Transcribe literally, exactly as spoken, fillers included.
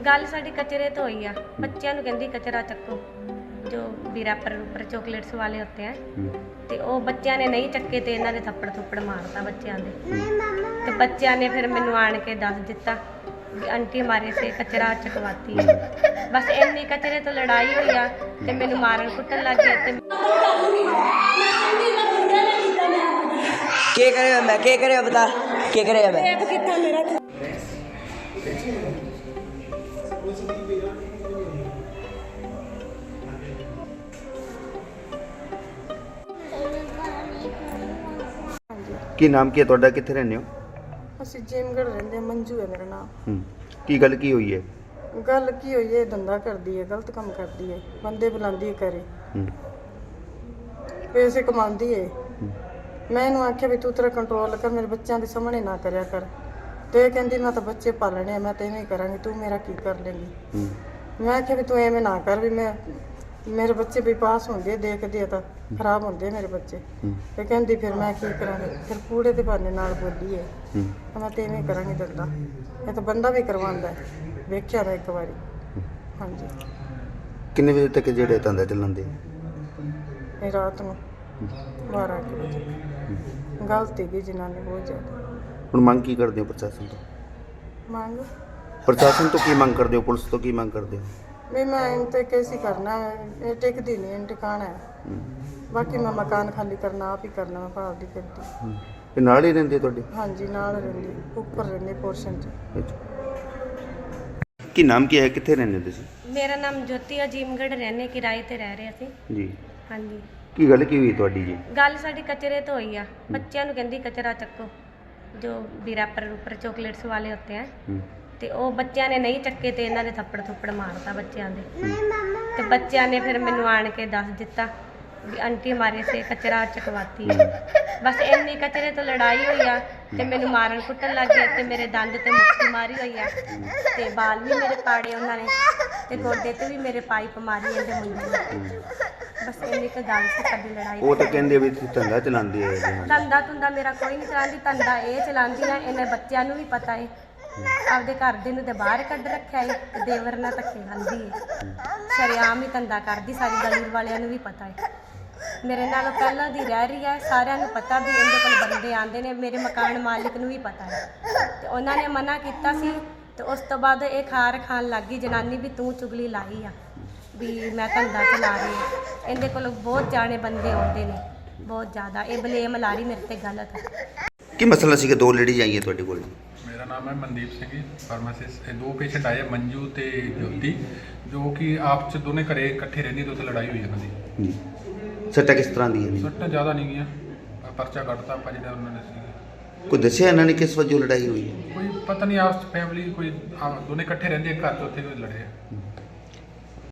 गल साडी कचरे तो हुई है। बच्चों कहती कचरा चक्को, जो भी रैपर रूपर चॉकलेट्स वाले होते हैं, तो वो बच्चों ने नहीं चक्के तो इन्होंने थप्पड़ थुप्पड़ मारता बच्चों के। तो बच्चों ने फिर मैनू आण के दस दिता भी आंटी हमारे से कचरा चकवाती है। बस इन्नी कचरे तो लड़ाई हुई आ ते मैनू मारन कुटन लग गए। ते के करे मैं के करे बता के करे मैं ਕੀ ਨਾਮ ਕੀ ਹੈ ਤੁਹਾਡਾ, ਕਿੱਥੇ ਰਹਿੰਦੇ ਹੋ? ਅਸੀਂ ਜੇਮਗੜ ਰਹਿੰਦੇ, ਮੰਜੂ ਹੈ ਮੇਰਾ ਨਾਮ। ਹੂੰ ਕੀ ਗੱਲ ਕੀ ਹੋਈ ਹੈ? ਗੱਲ ਕੀ ਹੋਈ ਹੈ, ਧੰਦਾ ਕਰਦੀ ਹੈ, ਗਲਤ ਕੰਮ ਕਰਦੀ ਹੈ, ਬੰਦੇ ਬੁਲਾਉਂਦੀ ਹੈ ਘਰੇ, ਹੂੰ ਪੈਸੇ ਕਮਾਉਂਦੀ ਹੈ। ਮੈਂ ਇਹਨੂੰ ਆਖਿਆ ਵੀ ਤੂੰ ਤੇਰਾ ਕੰਟਰੋਲ ਕਰ, ਮੇਰੇ ਬੱਚਿਆਂ ਦੇ ਸਾਹਮਣੇ ਨਾ ਕਰਿਆ ਕਰ। ਤੇ ਇਹ ਕਹਿੰਦੀ ਮੈਂ ਤਾਂ ਬੱਚੇ ਪਾਲਣੇ ਆ, ਮੈਂ ਤਾਂ ਇਵੇਂ ਕਰਾਂਗੀ, ਤੂੰ ਮੇਰਾ ਕੀ ਕਰ ਲੇਂਗੀ। ਹੂੰ ਮੈਂ ਆਖਿਆ ਵੀ ਤੂੰ ਐਵੇਂ ਨਾ ਕਰ, ਵੀ ਮੈਂ ਮੇਰੇ ਬੱਚੇ ਵੀ ਪਾਸ ਹੁੰਦੇ ਦੇਖਦੇ ਆ ਤਾਂ ਖਰਾਬ ਹੁੰਦੇ ਮੇਰੇ ਬੱਚੇ। ਹੂੰ ਤੇ ਕਹਿੰਦੀ ਫਿਰ ਮੈਂ ਕੀ ਕਰਾਂਗੀ, ਫਿਰ ਕੂੜੇ ਦੇ ਬਹਾਨੇ ਨਾਲ ਬੋਲੀ ਹੈ। ਹੂੰ ਮੈਂ ਤਾਂ ਇਵੇਂ ਕਰਾਂਗੀ ਧੰਦਾ, ਇਹ ਤਾਂ ਬੰਦਾ ਵੀ ਕਰਵਾਉਂਦਾ ਹੈ, ਵੇਖਿਆ ਮੈਂ ਇੱਕ ਵਾਰੀ। ਹਾਂਜੀ ਕਿੰਨੇ ਵਜੇ ਤੱਕ ਜਿਹੜੇ ਧੰਦਾ ਚੱਲਣਦੇ? ਇਹ ਰਾਤ ਨੂੰ ਬਾਰਾਂ ਕੁ ਵਜੇ ਗਲਤ ਹੈਗੀ ਜਿਨ੍ਹਾਂ ਨੇ ਬਹੁਤ ਜ਼ਿਆਦਾ। ਹੁਣ ਮੰਗ ਕੀ ਕਰਦੇ ਹੋ ਪ੍ਰਸ਼ਾਸਨ ਤੋਂ? ਮੰਗ ਪ੍ਰਸ਼ਾਸਨ ਤੋਂ ਕੀ ਮੰਗ ਕਰਦੇ ਹੋ, ਪੁਲਿਸ ਤੋਂ ਕੀ ਮੰਗ ਕਰਦੇ ਹੋ? ਵੀ ਮੈਂ ਇਹਨਾਂ ਤੇ ਕੈਸੀ ਕਰਨਾ ਹੈ, ਇਹ ਟਿਕਦੀ ਨਹੀਂ, ਇਹ ਟਿਕਾਣਾ ਹੈ। ਹੂੰ ਬਾਕੀ ਮੈਂ ਮਕਾਨ ਖਾਲੀ ਕਰਨਾ ਆਪ ਹੀ ਕਰਨਾ, ਮੈਂ ਭਾਲਦੀ ਫਿਰਦੀ। ਹੂੰ ਇਹ ਨਾਲ ਹੀ ਰਹਿੰਦੇ ਤੁਹਾਡੇ? ਹਾਂਜੀ ਨਾਲ ਰਹਿੰਦੀ, ਉੱਪਰ ਰਹਿੰਦੀ ਪੋਰਸ਼ਨ 'ਚ। ਅੱਛਾ ਕੀ ਨਾਮ ਕੀ ਹੈ, ਕਿੱਥੇ ਰਹਿੰਦੇ ਤੁਸੀਂ? मेरा नाम ज्योति अजीमगढ़ रहने किराए ते रह रहे असीं। ਜੀ हाँ जी ਕੀ ਗੱਲ ਕੀ ਹੋਈ ਤੁਹਾਡੀ ਜੀ? गल साडी कचरे तो हुई आ। बच्चों कहती कचरा चक्को, जो भी रैपर रूपर चॉकलेट्स वाले होते हैं, ਹੂੰ तो वो बच्चों ने नहीं चक्के तो इन्होंने थप्पड़ थुप्पड़ मारता बच्चों के। तो बच्चों ने फिर मैनू आण के दस दिता भी आंटी हमारे से कचरा चकवाती है। बस इन्नी कचरे तो लड़ाई हुई आ ते मैनू मारन कुटन लग गए। ते मेरे दंद ते मुक्की मारी हुई आ, ते बाल भी मेरे पाड़े उन्होंने, ते गोडे ते भी मेरे पाइप मारी इहदे मुंडे ने। बस इन्नी क गल सी साडी लड़ाई। ਉਹ ਤਾਂ ਕਹਿੰਦੇ ਵੀ ਤੁਸੀਂ ਧੰਦਾ ਚਲਾਉਂਦੇ ਹੈ ਇਹਦੇ ਨਾਲ। धंधा धुंदा मेरा कोई नहीं चलाती, धंधा ये चलाती ना, इन्हें बच्चों को भी पता है, आपदे घर दे नूं ते बाहर कढ रखिया है, ते देवर नाल धक्के खांदी है, शरेआम ही धंधा करदी, सारी गली वालियां नूं भी पता है। मेरे नाल पहलां दी रह रही है, सारियां नूं पता भी इहदे कोल बंदे आंदे ने, मेरे मकान मालिक नूं भी पता है। ते उन्हां ने मना कीता सी, ते उस तो बाद ये खार खान लग गई जनानी भी तूं चुगली लाई आ भी मैं धंधा चला रही है। इहदे कोल बहुत जाने बंदे आउंदे ने, बहुत ज़्यादा। ये बलेम ला रही मेरे ते गलत है। ਕੀ ਮਸਲਾ ਸੀ ਕਿ ਦੋ ਲੇਡੀਜ਼ ਆਈਆਂ ਤੁਹਾਡੇ ਕੋਲ? मेरा नाम है मनदीप सिंह जी, फार्मासिस्ट। दो पेशेंट आए मंजू ते ज्योति, जो कि आप च दोने घरे इकट्ठे रहंदी, तो उत्थे लड़ाई हुई इन्हां दी। ਜੀ ਸੱਟਾਂ ਕਿਸ ਤਰ੍ਹਾਂ ਦੀਆਂ ਨੇ? सट्टा ज़्यादा नहीं गईयां, परचा कटता आपा जिहड़ा उन्होंने सीगा। ਕੋਈ ਦੱਸਿਆ ਇਹਨਾਂ ਨੇ ਕਿਸ ਵਜੋਂ ਲੜਾਈ ਹੋਈ ਹੈ? कोई पता नहीं, आप फैमिली कोई आप दोने इकट्ठे रहंदे, घर च उत्थे कोई लड़े।